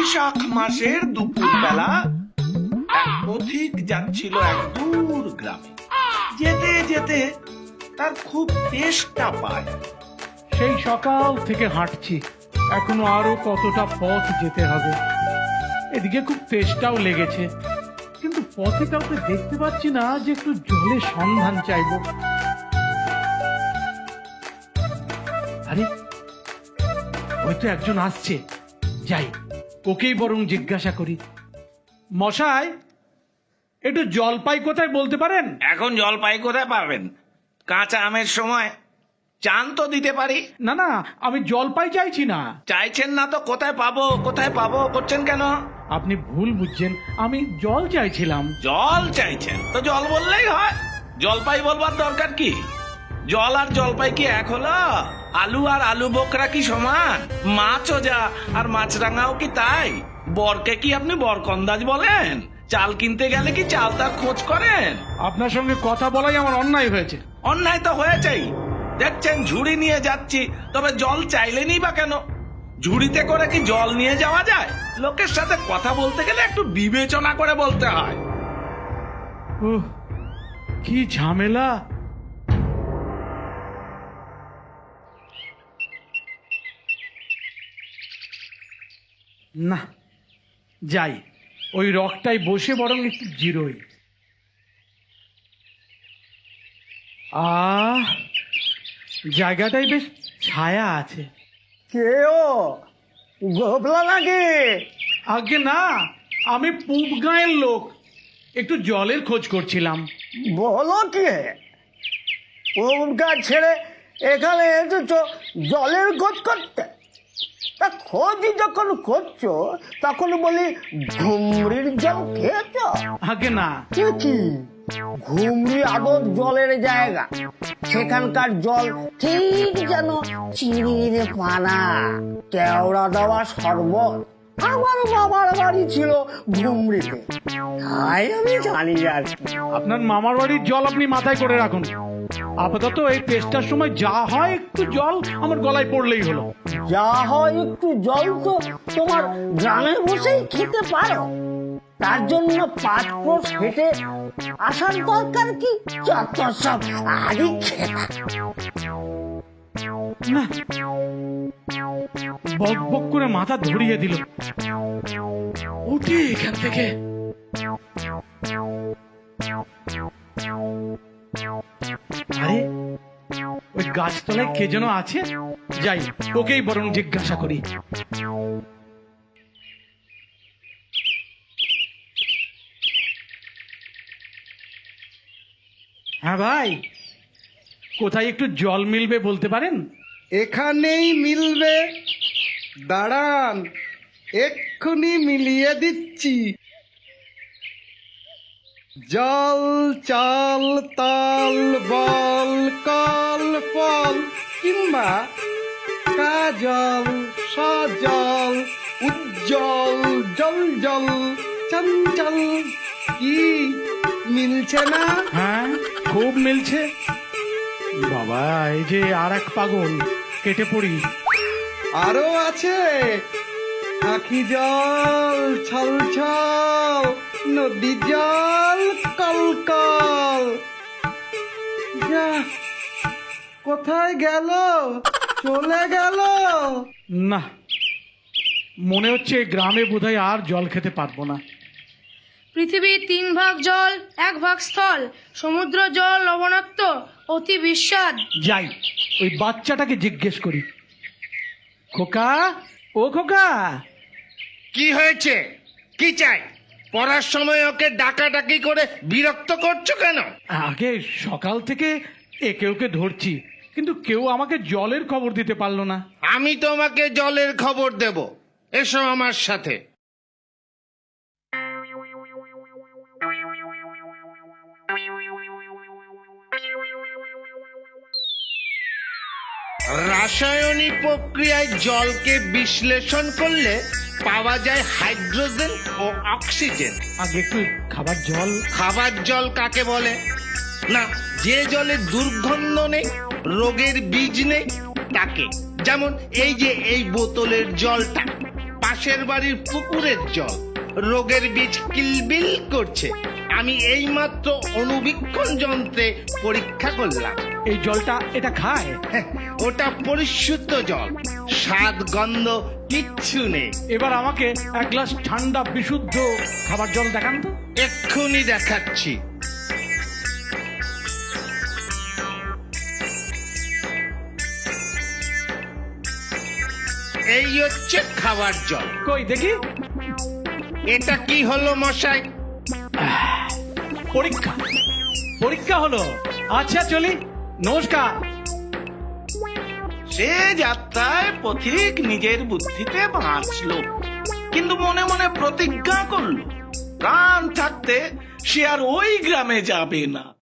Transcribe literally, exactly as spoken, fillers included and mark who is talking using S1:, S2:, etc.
S1: বৈশাখ মাসের দুপুর বেলা এক পথিক যাচ্ছিল এক দূর গ্রামে। যেতে যেতে তার খুব তেষ্টা পায়।
S2: সেই সকাল থেকে হাঁটছি, এখনো আরো কতটা পথ যেতে হবে। এদিকে খুব তেষ্টাও লেগেছে, কিন্তু পথে কাউকে দেখতে পাচ্ছি না যে একটু জলের সন্ধান চাইব। আরে হয়তো একজন আসছে, যাই ওকেই বরং জিজ্ঞাসা করি। মশাই, একটু জলপাই কোথায় বলতে পারেন?
S1: এখন জলপাই কোথায় পাবেন? কাঁচা আমের সময় চান তো দিতে পারি।
S2: না না, আমি জলপাই চাইছি না।
S1: চাইছেন না তো কোথায় পাবো কোথায় পাবো করছেন কেন?
S2: আপনি ভুল বুঝছেন, আমি জল চাইছিলাম।
S1: জল চাইছেন তো জল বললেই হয়, জলপাই বলবার দরকার কি? জল আর জলপাই কি এক হলো? আলু আর আলু বোকরা কি সমান? মাছও যা আর মাছরাঙাও কি তাই? বরকে কি আপনি বরকন্দাজ বলেন? চাল কিনতে গেলে কি চাল তার খোঁজ করেন?
S2: আপনার সঙ্গে কথা বলাই আমার অন্যায় হয়েছে।
S1: অন্যায় তো হয়েছেই। দেখছেন ঝুড়ি নিয়ে যাচ্ছি, তবে জল চাইলেনই বা কেন? ঝুড়িতে করে কি জল নিয়ে যাওয়া যায়? লোকের সাথে কথা বলতে গেলে একটু বিবেচনা করে বলতে হয়।
S2: উহ, কি ঝামেলা। না, যাই ওই রকটাই বসে বরং একটু জিরোই। আহ, জায়গাটাই বেশ ছায়া আছে।
S3: কে ও গোপলা নাকি?
S2: আগে না, আমি পূব গাঁয়ের লোক, একটু জলের খোঁজ করছিলাম।
S3: বলো কি, গাছ ছেড়ে এখানে এসেছো জলের খোঁজ করতে? তা খোঁজ যখন করছো তখন বলি ঘুমরির জল খেয়েছ?
S2: আগে না।
S3: কি ঘুমরি আদর জলের জায়গা, সেখানকার জল ঠিক যেন চিনির পানা, কেওড়া দেওয়া শরবত। আমার বাবার বাড়ি ছিল ঘুমরিতে, তাই আমি জানি আর কি।
S2: আপনার মামার বাড়ির জল আপনি মাথায় করে রাখুন। আপাতত এই টেস্টার সময় যা হয় একটু জল আমার গলায় পড়লেই হলো।
S3: যা হয় একটু জল তো তোমার গ্রামে বসেই খেতে পারো, তার জন্য পাঁচ ক্রোশ হেঁটে আসার দরকার কি? যত সব আদি খেলা।
S2: না, বক বক করে মাথা ধরিয়ে দিল। উঠি এখান থেকে। আরে ওই গাছতলায় কে যেন আছে, যাই ওকেই বরং জিজ্ঞাসা করি। হ্যাঁ ভাই, কোথায় একটু জল মিলবে বলতে পারেন?
S4: এখানেই মিলবে, দাঁড়ান এক্ষুনি মিলিয়ে দিচ্ছি। জল চাল তাল বল কল ফল কিংবা কাজল সজল উজ্জ্বল জল জল চঞ্চল, কি মিলছে না?
S2: হ্যাঁ, খুব মিলছে। বাবা, এই যে আর এক পাগল, কেটে পড়ি।
S4: আরো আছে আখি জল ছল ছল, নদী জল কল কল। যা, কোথায় গেল? চলে গেল।
S2: না, মনে হচ্ছে এই গ্রামে বোধহয় আর জল খেতে পারবো না।
S5: পৃথিবীর তিন ভাগ জল, এক ভাগ স্থল। সমুদ্র জল লবণাক্ত, অতি বিস্বাদ।
S2: যাই ওই বাচ্চাটাকে জিজ্ঞেস করি। খোকা, ও খোকা।
S6: কি হয়েছে? কি চাই? পড়ার সময় ওকে ডাকাডাকি করে বিরক্ত করছো কেন?
S2: আগে সকাল থেকে একে ওকে ধরছি, কিন্তু কেউ আমাকে জলের খবর দিতে পারলো না।
S6: আমি তোমাকে জলের খবর দেব, এসো আমার সাথে। রাসায়নিক প্রক্রিয়ায় জলকে বিশ্লেষণ করলে পাওয়া যায় হাইড্রোজেন ও অক্সিজেন।
S2: আগে একটু খাবার জল।
S6: খাবার জল কাকে বলে? না, যে জলে দুর্গন্ধ নেই, রোগের বীজ নেই, তাকে। যেমন এই যে এই বোতলের জলটা, পাঁচ পাশের বাড়ির পুকুরের জল। রোগের বীজ কিলবিল করছে। আমি এইমাত্র অনুবীক্ষণ যন্ত্রে পরীক্ষা করলাম।
S2: এই জলটা এটা খায়?
S6: হ্যাঁ, ওটা পরিশুদ্ধ জল, স্বাদ গন্ধ কিচ্ছু নেই।
S2: এবার আমাকে এক গ্লাস ঠান্ডা বিশুদ্ধ খাবার জল দেখান তো।
S6: এক্ষুনি দেখাচ্ছি। এই হচ্ছে খাবার জল।
S2: কই দেখি।
S6: এটা কি হলো মশাই?
S2: পরীক্ষা পরীক্ষা হলো। আচ্ছা চলি, নমস্কার।
S1: সে যাত্রায় পথিক নিজের বুদ্ধিতে বাঁচলো, কিন্তু মনে মনে প্রতিজ্ঞা করলো প্রাণ থাকতে সে আর ওই গ্রামে যাবে না।